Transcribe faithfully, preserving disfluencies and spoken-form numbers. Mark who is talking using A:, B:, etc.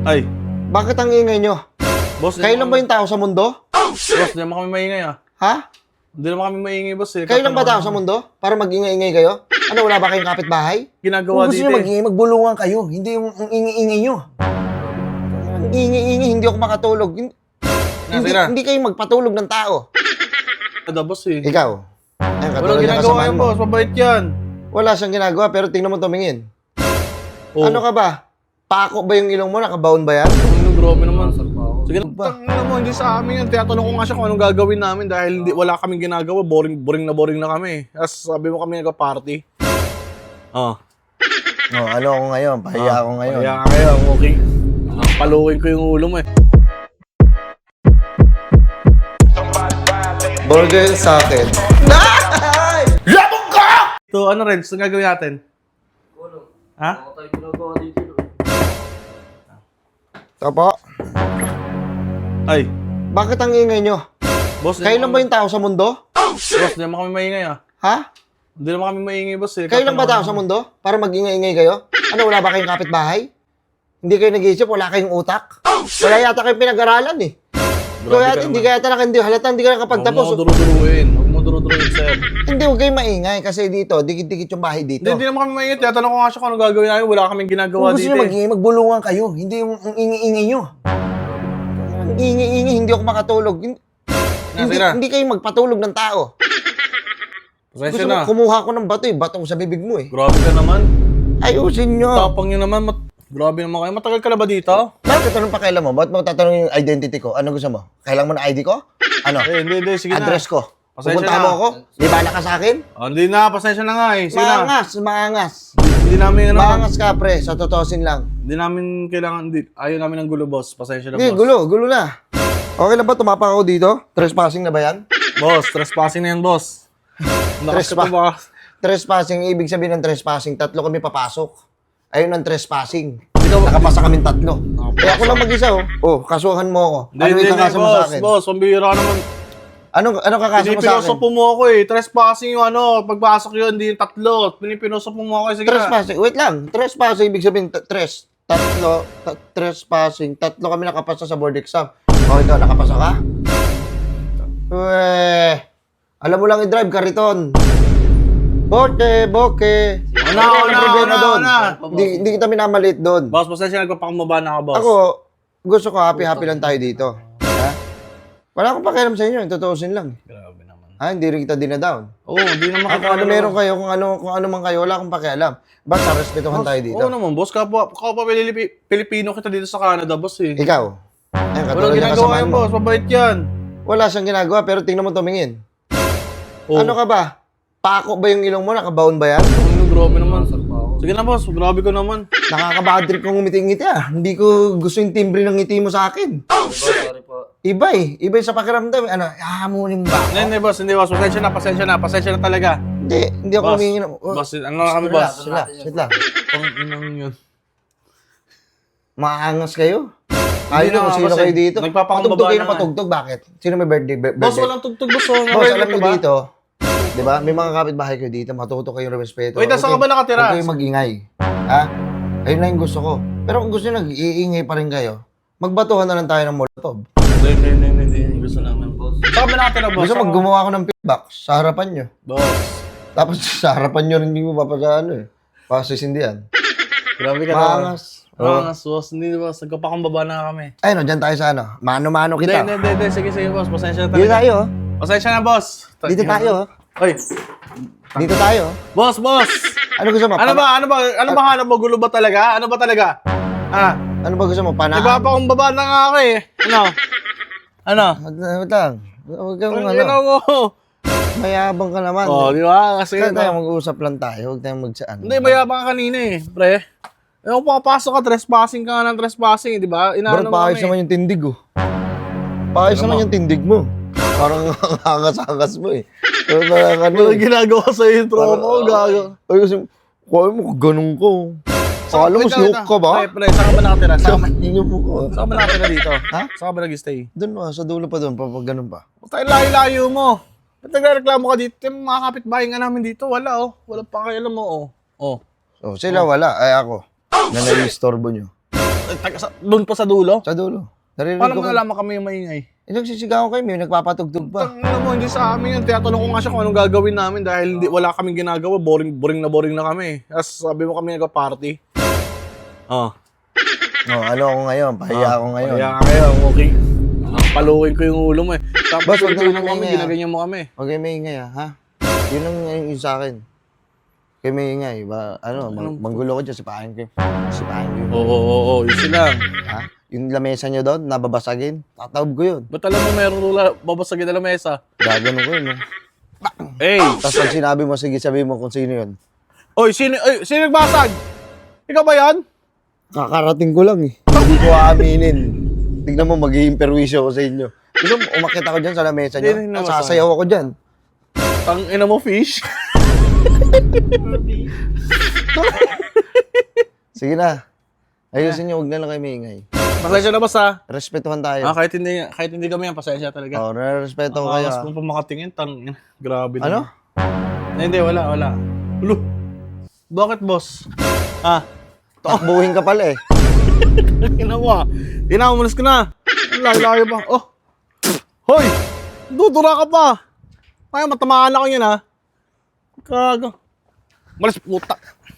A: Ay,
B: Bakit ang ingay nyo?
A: boss,
B: Kayo lang ba yung tao sa mundo?
A: Boss, di naman kami maingay ah.
B: Ha?
A: Hindi naman kami maingay, boss eh.
B: Kayo lang ba tao sa mundo? Para mag-ingay-ingay kayo? Ano, wala ba kayong kapitbahay?
A: Ginagawa
B: Kung gusto
A: dito
B: nyo
A: eh.
B: mag-ingay, magbulungan kayo. Hindi yung ang ingay-ingay nyo. Ang ingay-ingay, hindi ako makatulog. Hin- Hindi,
A: Nasira.
B: hindi kayo magpatulog ng tao.
A: Ada, boss eh.
B: Ikaw. Ayun,
A: Walang
B: katulad ng
A: ginagawa
B: kasamaan
A: yan,
B: mo.
A: boss. Mabait yan.
B: Wala siyang ginagawa, pero tingnan mo tumingin.
A: Oh.
B: Ano ka ba? Pako ba yung ilong mo? Nakabaon ba yan?
A: Ano, grabe naman. Sige,
B: ba?
A: tangina mo, hindi sa amin yan. Tinatanong ko nga siya kung anong gagawin namin dahil hindi, wala kaming ginagawa. Boring, boring na boring na kami. Tapos sabi mo kami nagka-party. Ah.
B: Oh, ano ako ngayon? Pahiya ako ngayon.
A: Kaya kayo, okay. Palukin ko yung ulo mo eh.
B: Burger sa akin. Nay! Labog ka!
A: So, ano, Renz? Anong gagawin natin? Ha?
B: Ito po.
A: Ay,
B: Bakit ang ingay nyo?
A: boss.
B: Kayo lang ba yung tao sa mundo?
A: Boss, di naman kami maingay ah.
B: Ha?
A: Hindi naman kami maingay, boss eh.
B: Kayo lang ba tao sa mundo? Para mag-ingay-ingay kayo? Ano, wala ba kayong kapitbahay? Hindi kayo nag-iisip? Wala kayong utak? Wala yata kayong pinag-aralan eh.
A: Grabe
B: Kaya
A: ka
B: hindi
A: naman.
B: kaya talaga hindi halata hindi ka
A: Huwag mo
B: nakapagtapos.
A: duruduruin. Huwag mo duruduruin, sir.
B: Hindi, huwag kayong maingay kasi dito, dikit-dikit yung bahay dito.
A: Hindi, hindi naman kami maingay. Tinatanong ko nga siya kung anong gagawin namin. Wala kaming ginagawa
B: Kung gusto
A: dito
B: nyo
A: eh.
B: mag-ingay, magbulungan kayo. Hindi yung ang ingay-ingay nyo. Ang ingay-ingay, hindi ako makatulog. Hindi, hindi,
A: Nasira.
B: hindi kayo magpatulog ng tao.
A: Pasensya
B: Gusto
A: na.
B: mo, kumuha ko ng bato eh. Bato ko sa bibig mo eh.
A: Grabe ka naman.
B: Ayusin nyo.
A: Tapang nyo naman. Mat- Grabe naman kayo. Matagal ka na ba dito?
B: Bakit anong pakialam mo? Ba't mo tatanungin yung identity ko? Ano gusto mo? Kailangan mo na I D ko? Ano?
A: Eh, hindi, hindi. Sige
B: Address
A: na.
B: ko.
A: Pasensya
B: Pupunta
A: na.
B: mo ako? Di ba ka sa akin?
A: Oh, hindi na. Pasensya na nga eh. Sige na.
B: Maangas, maangas.
A: Hindi namin, ano.
B: Maangas ka, pre. Sa totosin lang.
A: Hindi namin kailangan. Hindi. Ayaw namin ng gulo, boss. Pasensya na,
B: Hindi,
A: boss.
B: gulo. Gulo na. Okay lang ba? Tumapak ako dito? Trespassing na ba yan?
A: Boss, trespassing na yan, boss. Nakas ka
B: Trespa-
A: pa ba?
B: Trespassing, ibig sabihin ng trespassing, tatlo kami papasok. Ayun ang trespassing. Nakapasa kami tatlo. Kaya ako lang mag-isa, oh. Oh, kasuhan mo ako.
A: Hindi,
B: Ano
A: hindi,
B: yung
A: hindi,
B: kakasa mo sa
A: boss.
B: akin?
A: Boss, pambihira ka naman.
B: Ano, ano kakasa mo sa
A: Pinipinoso
B: akin?
A: po mo ako eh. Trespassing yung ano. Pagpasok yun, hindi yung tatlo. Pinipinoso po mo ako eh. Sige na.
B: Trespassing. Wait lang. Trespassing, ibig sabihin, t- tres. Tatlo. ta- trespassing. Tatlo kami nakapasa sa board exam. O, ito, nakapasa ka? Weh. Alam mo lang i-drive, kariton. Boke, boke.
A: Una,
B: Ano ang
A: una,
B: problema
A: una,
B: doon?
A: una.
B: Hindi, hindi kita minamalit doon.
A: Boss, pasensya nagpapakumaba na ako, boss.
B: Ako, gusto ko happy-happy lang tayo dito. Ha? Wala akong pakialam sa inyo. Tutuusin lang.
A: Grabe naman.
B: Ha? Hindi rin kita dinadown.
A: Oo, hindi naman
B: Ah, kung ano meron kayo, kung ano, kung ano man kayo, wala akong pakialam. Basta respetuhan tayo dito.
A: Oo naman, boss. Kapwa, kapwa Pilipi- Pilipino kita dito sa Canada, boss eh.
B: Ikaw. Ayun, katulad
A: Walang
B: ng
A: ginagawa
B: kasamaan
A: yan,
B: mo.
A: boss. Mabait yan.
B: Wala siyang ginagawa, pero tingnan mo tumingin.
A: Oo.
B: Ano ka ba? Pako ba yung ilong mo? Nakabaon ba yan?
A: Ano, grabe naman. Sige na, boss. Grabe ko naman.
B: Nakakabad trip kong ngiti-ngiti ah. Hindi ko gusto yung timbre ng ngiti mo sa akin.
C: Sorry po.
B: Iba eh. Iba yung sa pakiramdam. Ano, hahamunin ba?
A: Hindi, hindi, boss. Hindi, boss. Pasensya na, pasensya na. Pasensya na talaga.
B: Hindi, hindi ako
A: Boss,
B: humingi ng... Oh,
A: boss, ano na kami,
B: sit
A: boss?
B: lang, sit lang, sit lang.
A: Pang inang yun.
B: Maangas kayo.
A: Hindi
B: Ayaw na
A: na,
B: kung sino
A: boss,
B: kayo
A: eh.
B: dito.
A: Nagpapakumbaba
B: Patugtog kayo
A: na
B: ng
A: nga.
B: patugtog. Bakit? Sino may birthday? bir-
A: Boss,
B: birthday?
A: walang tugtog, boss. Oh,
B: Boss,
A: Ready
B: alam
A: ka
B: mo
A: ba?
B: dito, di ba? May mga kapitbahay kayo dito, matuto kayong respeto.
A: Wait, saan ka ba nakatira?
B: Huwag kayong mag-ingay. Ha? Ayun lang yung gusto ko. Pero kung gusto nyo nag-iingay pa rin kayo, magbatuhan na lang tayo ng molotov.
A: Hindi, hindi, hindi, hindi, hindi. Gusto namin, boss. Saan ka ba nakatira, boss?
B: Gusto mag gumawa ako ng feedback sa harapan nyo.
A: Boss.
B: Tapos sa harapan nyo rin hindi mo papasa ano eh. Pasisindihan.
A: Grabe ka naman.
B: Maangas.
A: Maangas, boss. Hindi, boss. Nagpapakumbaba na kami.
B: Ayun, no, dyan tayo sa ano. Mano-mano
A: Hindi,
B: kita.
A: hindi, hindi, hindi. Sige, sige, boss. Pasensya na
B: Dito
A: talaga.
B: tayo. oh.
A: Pasensya na, boss.
B: Dito tayo. oh.
A: Oy.
B: Dito tayo. oh.
A: Boss, boss.
B: Ano gusto mo?
A: Ano
B: Pana-
A: ba, ano ba, ano ba hanap mo? Gulo ba talaga? Ano ba talaga? Ah,
B: Ano ba gusto mo? Pana?
A: nagpapakumbaba na nga ako eh. Ano? Ano?
B: Wag na- wag lang. Huwag kang
A: Ang
B: ano.
A: ginaw mo.
B: Mayabang ka naman.
A: Oh, di ba? Kasi,
B: Kaya tayo mag-uusap lang tayo. Huwag tayong magsaan.
A: hindi, mayabang ka kanina eh, pre. Eh, kung papasok ka, trespassing ka nga ng trespassing, di ba?
B: Bro,
A: Inaano mo
B: paayos
A: kami.
B: naman yung tindig oh. Paayos
A: Ano
B: naman
A: mo?
B: yung tindig mo. Parang angas-angas mo eh. Pero parang ano
A: Ano
B: eh.
A: ginagawa sa intro
B: Parang-
A: mo? Gago.
B: Ay kasi, kaya mo ganun ko. Akala mo
A: Wait,
B: snook
A: wait,
B: ka ba?
A: Pre, pre, saan ka ba nakatira? Saan ka ba,
B: Hindi mo ko.
A: saan ka ba nakatira dito?
B: Ha?
A: Saan ka ba nag-stay?
B: Doon mo, sa dulo pa doon, pa pag ganun pa.
A: Huwag tayo layo-layo mo. Ba't nagreklamo ka dito? Yung mga kapitbahay nga namin dito, wala oh. Wala pa kayo alam mo oh. Oh.
B: So, sila wala, ay ako. Na nai-istorbo nyo.
A: eh, taga- sa- doon pa sa dulo?
B: Sa dulo. Naririnig
A: Paano
B: ko
A: mo
B: kayo.
A: nalaman kami yung maingay?
B: Eh, nagsisigawan kayo, may nagpapatugtog pa.
A: Tangina mo, hindi sa amin yun. Tinatanong ko nga siya kung anong gagawin namin dahil hindi, wala kaming ginagawa. Boring, boring na boring na kami. Tapos sabi mo kami nagpa-party. Oh.
B: Oh, ano ako ngayon? Pahiya ako ngayon.
A: Kaya kayo, okay. Ah, paluin ko yung ulo mo eh. Tapos
B: Boss, wag
A: pilipinan
B: naman
A: mo kami,
B: maingay, ah.
A: ginaganyan mo kami.
B: Okay, may ingay ah, ha? Yun ang yung sa akin. Kaya may ingay, ba, ano, mang- manggulo ko dyan, sipahin ko. Sipahin ko.
A: Oo, oo, oo, oo, yun sila.
B: Ha? Yung lamesa nyo doon, nababasagin, tatawag ko yun.
A: Ba't alam mo meron rula, babasagin na lamesa?
B: Gagano ko yun, no?
A: Hey!
B: Tapos pag sinabi mo, sige, sabi mo kung sino yun.
A: Oy, sino, oy, sino nagbasag? Ikaw ba yan?
B: Kakarating ko lang eh. Hindi ko aaminin. Tignan mo, magiging perwisyo ko sa inyo. Gusto mo, umakit ako dyan sa lamesa nyo.
A: Hindi, hindi naman
B: Sasayaw ako dyan.
A: Tang ina mo, fish.
B: Sige na. Ayusin nyo, huwag na lang kayo maingay.
A: Pasensya na ba sa?
B: Respetuhan tayo.
A: Ah, kahit hindi, kahit hindi kami yan, pasensya talaga.
B: Oo, oh, nare-respeto ko
A: Ah,
B: kayo.
A: mas
B: ah.
A: mo pa makatingin, tang ina. Grabe na.
B: Ano?
A: Eh, Hindi, wala, wala. Ulo. Bakit, boss? Ah,
B: Takbuhin ka pala eh.
A: ginawa. Tinamalas ka na. Ang layo-layo pa. Oh. Hoy! Dudura ka pa. Kaya matamaan ako yan, ha? Kaga. Malas puta.